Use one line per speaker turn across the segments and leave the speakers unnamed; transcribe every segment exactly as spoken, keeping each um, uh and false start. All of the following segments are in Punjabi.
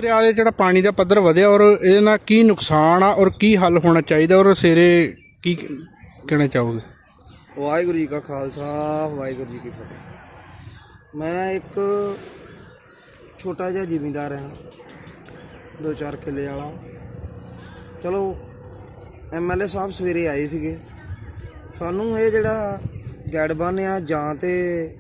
दरिया ਦੇ ਜਿਹੜਾ ਪਾਣੀ ਦਾ ਪੱਧਰ ਵਧਿਆ ਔਰ ਇਹਦੇ ਨਾਲ ਕੀ ਨੁਕਸਾਨ ਆ ਔਰ ਕੀ ਹੱਲ ਹੋਣਾ ਚਾਹੀਦਾ ਔਰ ਸਵੇਰੇ ਕੀ ਕਹਿਣਾ ਚਾਹੋਗੇ?
ਵਾਹਿਗੁਰੂ ਜੀ ਕਾ ਖਾਲਸਾ ਵਾਹਿਗੁਰੂ ਜੀ ਕੀ ਫਤਿਹ। ਮੈਂ ਇੱਕ ਛੋਟਾ ਜਿਹਾ ਜ਼ਿਮੀਂਦਾਰ ਹਾਂ, ਦੋ ਚਾਰ ਕਿੱਲੇ ਵਾਲਾ। ਚਲੋ ਐਮ ਐਲ ਏ ਸਾਹਿਬ ਸਵੇਰੇ ਆਏ ਸੀਗੇ, ਸਾਨੂੰ ਇਹ ਜਿਹੜਾ ਗੈਡ ਬੰਨ੍ਹ ਆ ਜਾਂ ਤੇ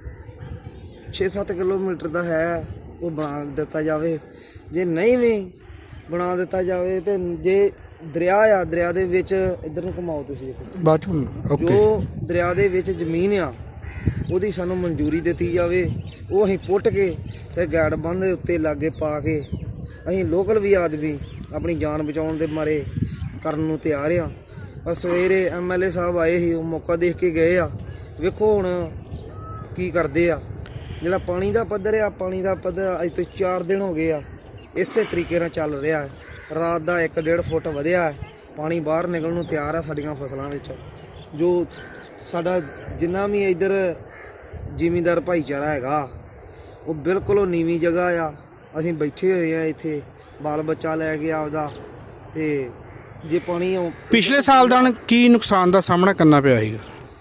ਛੇ ਸੱਤ ਕਿਲੋਮੀਟਰ ਦਾ ਹੈ ਉਹ ਬਣਾ ਦਿੱਤਾ ਜਾਵੇ, ਜੇ ਨਹੀਂ ਵੀ ਬਣਾ ਦਿੱਤਾ ਜਾਵੇ ਤੇ ਜੇ ਦਰਿਆ ਆ ਦਰਿਆ ਦੇ ਵਿੱਚ ਇੱਧਰ ਨੂੰ ਘੁਮਾਓ ਤੁਸੀਂ
ਬਾਅਦ ਚ
ਜੋ ਦਰਿਆ ਦੇ ਵਿੱਚ ਜ਼ਮੀਨ ਆ ਉਹਦੀ ਸਾਨੂੰ ਮਨਜ਼ੂਰੀ ਦਿੱਤੀ ਜਾਵੇ, ਉਹ ਅਸੀਂ ਪੁੱਟ ਕੇ ਤੇ ਗੈਡ ਬੰਨ੍ਹ ਦੇ ਉੱਤੇ ਲਾਗੇ ਪਾ ਕੇ ਅਸੀਂ ਲੋਕਲ ਵੀ ਆਦਮੀ ਆਪਣੀ ਜਾਨ ਬਚਾਉਣ ਦੇ ਮਾਰੇ ਕਰਨ ਨੂੰ ਤਿਆਰ ਆ। ਪਰ ਸਵੇਰੇ ਐਮ ਐਲ ਏ ਸਾਹਿਬ ਆਏ ਸੀ, ਉਹ ਮੌਕਾ ਦੇਖ ਕੇ ਗਏ ਆ। ਵੇਖੋ ਹੁਣ ਕੀ ਕਰਦੇ ਆ। ਜਿਹੜਾ ਪਾਣੀ ਦਾ ਪੱਧਰ ਆ, ਪਾਣੀ ਦਾ ਪੱਧਰ ਅੱਜ ਤੋਂ ਚਾਰ ਦਿਨ ਹੋ ਗਏ ਆ ਇਸੇ ਤਰੀਕੇ ਨਾਲ ਚੱਲ ਰਿਹਾ ਹੈ। ਰਾਤ ਦਾ ਇੱਕ ਡੇਢ ਫੁੱਟ ਵਧਿਆ ਹੈ, ਪਾਣੀ ਬਾਹਰ ਨਿਕਲਣ ਨੂੰ ਤਿਆਰ ਆ ਸਾਡੀਆਂ ਫਸਲਾਂ ਵਿੱਚ। ਜੋ ਸਾਡਾ ਜਿੰਨਾ ਵੀ ਇੱਧਰ ਜ਼ਿਮੀਂਦਾਰ ਭਾਈਚਾਰਾ ਹੈਗਾ ਉਹ ਬਿਲਕੁਲ ਉਹ ਨੀਵੀਂ ਜਗ੍ਹਾ ਆ। ਅਸੀਂ ਬੈਠੇ ਹੋਏ ਆ ਇੱਥੇ ਬਾਲ ਬੱਚਾ ਲੈ ਕੇ ਆਪਦਾ, ਤੇ ਜੇ ਪਾਣੀ
ਪਿਛਲੇ ਸਾਲ ਦਾ ਕੀ ਨੁਕਸਾਨ ਦਾ ਸਾਹਮਣਾ ਕਰਨਾ ਪਿਆ ਸੀਗਾ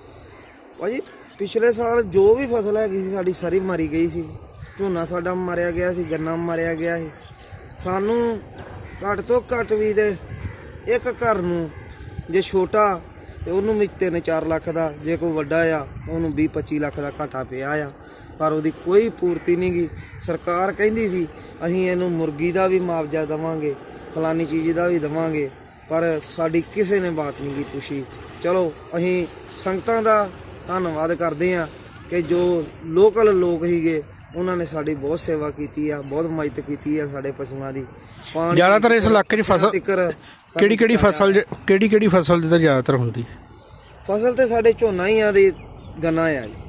ਭਾਜੀ? ਪਿਛਲੇ ਸਾਲ ਜੋ ਵੀ ਫਸਲ ਹੈਗੀ ਸੀ ਸਾਡੀ ਸਾਰੀ ਮਾਰੀ ਗਈ ਸੀ। ਝੋਨਾ ਸਾਡਾ ਮਾਰਿਆ ਗਿਆ ਸੀ, ਗੰਨਾ ਮਾਰਿਆ ਗਿਆ ਸੀ। ਸਾਨੂੰ ਘੱਟ ਤੋਂ ਘੱਟ ਵੀ ਦੇ ਇੱਕ ਘਰ ਨੂੰ ਜੇ ਛੋਟਾ ਤੇ ਉਹਨੂੰ ਵੀ ਤਿੰਨ ਚਾਰ ਲੱਖ ਦਾ, ਜੇ ਕੋਈ ਵੱਡਾ ਆ ਉਹਨੂੰ ਵੀਹ ਪੱਚੀ ਲੱਖ ਦਾ ਘਾਟਾ ਪਿਆ ਆ। ਪਰ ਉਹਦੀ ਕੋਈ ਪੂਰਤੀ ਨਹੀਂ ਗੀ। ਸਰਕਾਰ ਕਹਿੰਦੀ ਸੀ ਅਸੀਂ ਇਹਨੂੰ ਮੁਰਗੀ ਦਾ ਵੀ ਮੁਆਵਜ਼ਾ ਦੇਵਾਂਗੇ, ਫਲਾਨੀ ਚੀਜ਼ ਦਾ ਵੀ ਦੇਵਾਂਗੇ, ਪਰ ਸਾਡੀ ਕਿਸੇ ਨੇ ਬਾਤ ਨਹੀਂ ਗੀ ਪੁੱਛੀ। ਚਲੋ ਅਸੀਂ ਸੰਗਤਾਂ ਦਾ ਧੰਨਵਾਦ ਕਰਦੇ ਹਾਂ ਕਿ ਜੋ ਲੋਕਲ ਲੋਕ ਸੀਗੇ ਉਹਨਾਂ ਨੇ ਸਾਡੀ ਬਹੁਤ ਸੇਵਾ ਕੀਤੀ ਆ, ਬਹੁਤ ਮਦਦ ਕੀਤੀ ਆ ਸਾਡੇ ਪਸ਼ੂਆਂ ਦੀ। ਪਾਣੀ
ਜ਼ਿਆਦਾਤਰ ਇਸ ਇਲਾਕੇ 'ਚ ਫਸਲ ਕਿਹੜੀ ਕਿਹੜੀ ਫਸਲ ਕਿਹੜੀ ਕਿਹੜੀ ਫਸਲ ਜਿੱਦਾਂ ਜ਼ਿਆਦਾਤਰ ਹੁੰਦੀ?
ਫਸਲ ਤੇ ਸਾਡੇ ਝੋਨਾ ਹੀ ਆ ਦੀ ਗੰਨਾ ਆ ਜੀ।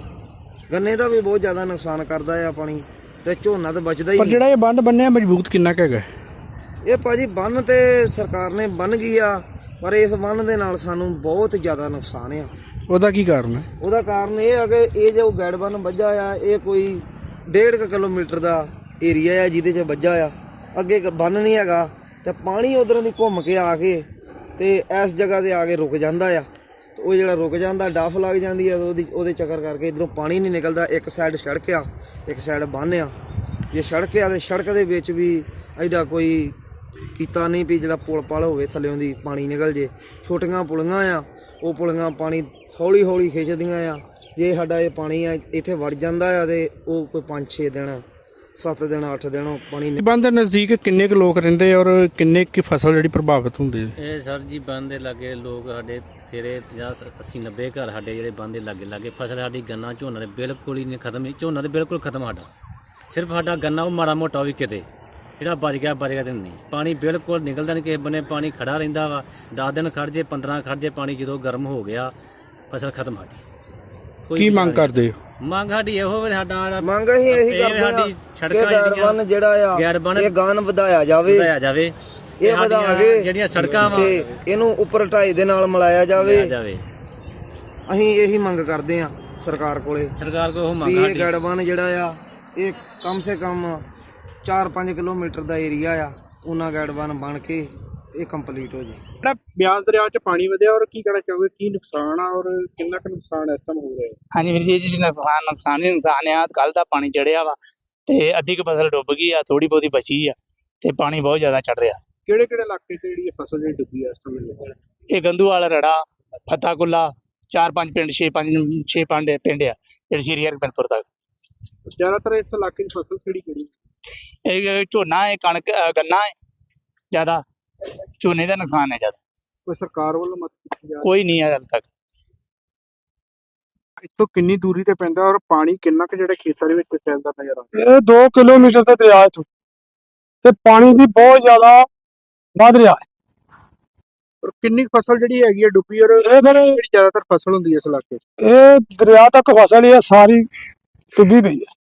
ਗੰਨੇ ਦਾ ਵੀ ਬਹੁਤ ਜ਼ਿਆਦਾ ਨੁਕਸਾਨ ਕਰਦਾ ਆ ਪਾਣੀ, ਤੇ ਝੋਨਾ ਤਾਂ ਬਚਦਾ ਹੀ
ਪਰ
ਨਹੀਂ।
ਜਿਹੜਾ ਇਹ ਬੰਨ ਬੰਨਿਆ ਮਜ਼ਬੂਤ ਕਿੰਨਾ ਕੁ ਹੈਗਾ
ਇਹ ਭਾਜੀ ਬੰਨ ਤੇ ਸਰਕਾਰ ਨੇ ਬੰਨ ਗਈ ਆ, ਪਰ ਇਸ ਬੰਨ ਦੇ ਨਾਲ ਸਾਨੂੰ ਬਹੁਤ ਜ਼ਿਆਦਾ ਨੁਕਸਾਨ ਆ।
ਉਹਦਾ ਕੀ ਕਾਰਨ ਹੈ?
ਉਹਦਾ ਕਾਰਨ ਇਹ ਆ ਕਿ ਇਹ ਜੋ ਗੈਡ ਬੰਨ ਵੱਜਾ ਆ ਇਹ ਕੋਈ ਡੇਢ ਕੁ ਕਿਲੋਮੀਟਰ ਦਾ ਏਰੀਆ ਆ ਜਿਹਦੇ 'ਚ ਵੱਜਾ ਆ। ਅੱਗੇ ਬੰਨ ਨਹੀਂ ਹੈਗਾ ਤੇ ਪਾਣੀ ਉਧਰੋਂ ਦੀ ਘੁੰਮ ਕੇ ਆ ਕੇ ਤੇ ਇਸ ਜਗ੍ਹਾ ਤੇ ਆ ਕੇ ਰੁਕ ਜਾਂਦਾ ਆ। ਤੇ ਉਹ ਜਿਹੜਾ ਰੁਕ ਜਾਂਦਾ ਡੱਫ ਲੱਗ ਜਾਂਦੀ ਆ, ਉਹਦੀ ਉਹਦੇ ਚੱਕਰ ਕਰਕੇ ਇੱਧਰੋਂ ਪਾਣੀ ਨਹੀਂ ਨਿਕਲਦਾ। ਇੱਕ ਸਾਈਡ ਸੜਕ ਆ, ਇੱਕ ਸਾਈਡ ਬੰਨ ਆ। ਜੇ ਸੜਕ ਆ ਤੇ ਸੜਕ ਦੇ ਵਿੱਚ ਵੀ ਐਡਾ ਕੋਈ ਕੀਤਾ ਨਹੀਂ ਵੀ ਜਿਹੜਾ ਪੁਲ ਪਲ ਹੋਵੇ ਥੱਲਿਓਂ ਦੀ ਪਾਣੀ ਨਿਕਲ ਜੇ। ਛੋਟੀਆਂ ਪੁਲੀਆਂ ਆ, ਉਹ ਪੁਲੀਆਂ ਪਾਣੀ ਹੌਲੀ ਹੌਲੀ ਖਿੱਚਦੀਆਂ ਆ। ਜੇ ਸਾਡਾ ਇਹ ਪਾਣੀ ਆ ਇੱਥੇ ਵੜ ਜਾਂਦਾ ਆ ਤੇ ਉਹ ਕੋਈ ਪੰਜ ਛੇ ਦਿਨ ਸੱਤ ਦਿਨ ਅੱਠ ਦਿਨ ਉਹ ਪਾਣੀ।
ਬੰਨ ਦੇ ਨਜ਼ਦੀਕ ਕਿੰਨੇ ਕੁ ਲੋਕ ਰਹਿੰਦੇ ਔਰ ਕਿੰਨੇ ਕੁ ਫਸਲ ਜਿਹੜੀ ਪ੍ਰਭਾਵਿਤ ਹੁੰਦੀ ਹੈ?
ਇਹ ਸਰ ਜੀ ਬੰਨ ਦੇ ਲਾਗੇ ਲੋਕ ਸਾਡੇ ਸਵੇਰੇ ਪੰਜਾਹ ਅੱਸੀ ਨੱਬੇ ਘਰ ਸਾਡੇ ਜਿਹੜੇ ਬੰਨ ਦੇ ਲਾਗੇ ਲਾਗੇ ਫਸਲ ਸਾਡੀ ਗੰਨਾ ਝੋਨਾ ਦੇ ਬਿਲਕੁਲ ਹੀ ਨਹੀਂ ਖਤਮ। ਝੋਨਾ ਤੇ ਬਿਲਕੁਲ ਖਤਮ ਸਾਡਾ, ਸਿਰਫ ਸਾਡਾ ਗੰਨਾ ਉਹ ਮਾੜਾ ਮੋਟਾ ਵੀ ਕਿਤੇ ਜਿਹੜਾ ਬਚ ਗਿਆ ਬਚ ਗਿਆ ਤੇ ਨਹੀਂ। ਪਾਣੀ ਬਿਲਕੁਲ ਨਿਕਲਦਾ ਨਹੀਂ ਕਿਸੇ ਬੰਨੇ, ਪਾਣੀ ਖੜਾ ਰਹਿੰਦਾ ਵਾ। ਦਸ ਦਿਨ ਖੜ ਜੇ ਪੰਦਰਾਂ ਖੜ ਜੇ ਪਾਣੀ, ਜਦੋਂ ਗਰਮ ਹੋ ਗਿਆ ਫਸਲ ਖਤਮ ਸਾਡੀ।
ਕੀ ਮੰਗ ਕਰਦੇ ਹੋ?
ਮੰਗ ਸਾਡੀ ਇਹੋ ਵੀ ਸਾਡਾ
ਮੰਗ ਅਸੀਂ ਇਹੀ ਕਰਦੇ ਆ ਕਿ ਗੈਡ ਬੰਨ ਜਿਹੜਾ ਆ ਇਹ ਗਾਨ ਵਧਾਇਆ ਜਾਵੇ
ਵਧਾਇਆ ਜਾਵੇ
ਇਹ ਵਧਾ ਕੇ
ਜਿਹੜੀਆਂ ਸੜਕਾਂ ਵਾ
ਤੇ ਇਹਨੂੰ ਉੱਪਰ ਢਾਈ ਦੇ ਨਾਲ ਮਿਲਾਇਆ ਜਾਵੇ। ਅਸੀਂ ਇਹੀ ਮੰਗ ਕਰਦੇ ਆ ਸਰਕਾਰ ਕੋਲੇ,
ਸਰਕਾਰ ਕੋਲ ਉਹ ਮੰਗ
ਵੀ ਇਹ ਗੈਡ ਬੰਨ ਜਿਹੜਾ ਆ ਇਹ ਕਮ ਸੇ ਕਮ ਚਾਰ ਪੰਜ ਕਿਲੋਮੀਟਰ ਦਾ ਏਰੀਆ ਆ, ਉਹਨਾਂ ਗੈਡ ਬੰਨ ਬਣ ਕੇ ਇਹ ਕੰਪਲੀਟ ਹੋ ਜੇ।
ਜਿਹੜਾ ਬਿਆਸ ਦਰਿਆ 'ਚ ਪਾਣੀ ਵਧਿਆ ਔਰ ਕੀ ਕਹਿਣਾ ਚਾਹੋਗੇ, ਕੀ ਨੁਕਸਾਨ ਆ ਔਰ ਕਿੰਨਾ ਕੁ ਨੁਕਸਾਨ ਇਸ ਟਾਈਮ ਹੋ ਰਿਹਾ?
ਹਾਂਜੀ ਵੀਰ ਜੀ, ਜੀ ਨੁਕਸਾਨ ਨੁਕਸਾਨ ਹੀ ਨੁਕਸਾਨ ਆ। ਕੱਲ ਦਾ ਪਾਣੀ ਚੜਿਆ ਵਾ ਤੇ ਅੱਧੀ ਕੁ ਫਸਲ ਡੁੱਬ ਗਈ ਆ, ਥੋੜੀ ਬਹੁਤੀ ਬਚੀ ਆ ਤੇ ਪਾਣੀ ਬਹੁਤ ਜ਼ਿਆਦਾ ਚੜ ਰਿਹਾ।
ਕਿਹੜੇ ਕਿਹੜੇ ਇਲਾਕੇ 'ਚ ਜਿਹੜੀ ਫਸਲ ਜਿਹੜੀ ਡੁੱਬੀ ਆ ਇਸ ਟਾਈਮ?
ਇਹ ਗੰਦੂਵਾਲ, ਰੜਾ, ਫਤਾਕੁੱਲਾ, ਚਾਰ ਪੰਜ ਪਿੰਡ ਛੇ ਪੰਜ ਛੇ ਪੰਜ ਪਿੰਡ ਆ ਜਿਹੜੇ ਸ਼੍ਰੀ ਹਰਗੋਬਿੰਦਪੁਰ ਤੱਕ।
ਜ਼ਿਆਦਾਤਰ ਇਸ ਇਲਾਕੇ 'ਚ ਫਸਲ ਕਿਹੜੀ ਕਿਹੜੀ?
ਇਹ ਝੋਨਾ ਹੈ, ਕਣਕ, ਗੰਨਾ ਹੈ। ਜ਼ਿਆਦਾ ਝੋਨੇ ਦਾ ਨੁਕਸਾਨ ਹੈ ਜ਼ਿਆਦਾ।
ਕੋਈ ਸਰਕਾਰ ਵੱਲੋਂ ਮਦਦ ਕੀਤੀ ਜਾ ਰਹੀ?
ਕੋਈ ਨਹੀਂ ਹੈ ਹਾਲੇ ਤੱਕ।
ਇੱਥੋਂ ਕਿੰਨੀ ਦੂਰੀ ਤੇ ਪੈਂਦਾ ਔਰ ਪਾਣੀ ਕਿੰਨਾ ਕੁ ਜਿਹੜਾ ਖੇਤਾਂ ਦੇ ਵਿੱਚ ਫੈਲਦਾ ਨਜ਼ਰ ਆਉਂਦਾ?
ਇਹ ਦੋ ਕਿਲੋਮੀਟਰ ਦਾ ਦਰਿਆ ਇੱਥੋਂ ਤੇ ਪਾਣੀ ਦੀ ਬਹੁਤ ਜ਼ਿਆਦਾ ਵੱਧ ਰਿਹਾ ਹੈ।
ਔਰ ਕਿੰਨੀ ਫਸਲ ਜਿਹੜੀ ਹੈਗੀ ਹੈ ਡੁੱਬੀ ਔਰ
ਇਹ ਫਿਰ
ਜਿਹੜੀ ਜ਼ਿਆਦਾਤਰ ਫਸਲ ਹੁੰਦੀ ਹੈ ਇਸ ਇਲਾਕੇ 'ਚ?
ਇਹ ਦਰਿਆ ਤੱਕ ਫਸਲ ਇਹ ਸਾਰੀ ਡੁੱਬੀ ਪਈ ਹੈ।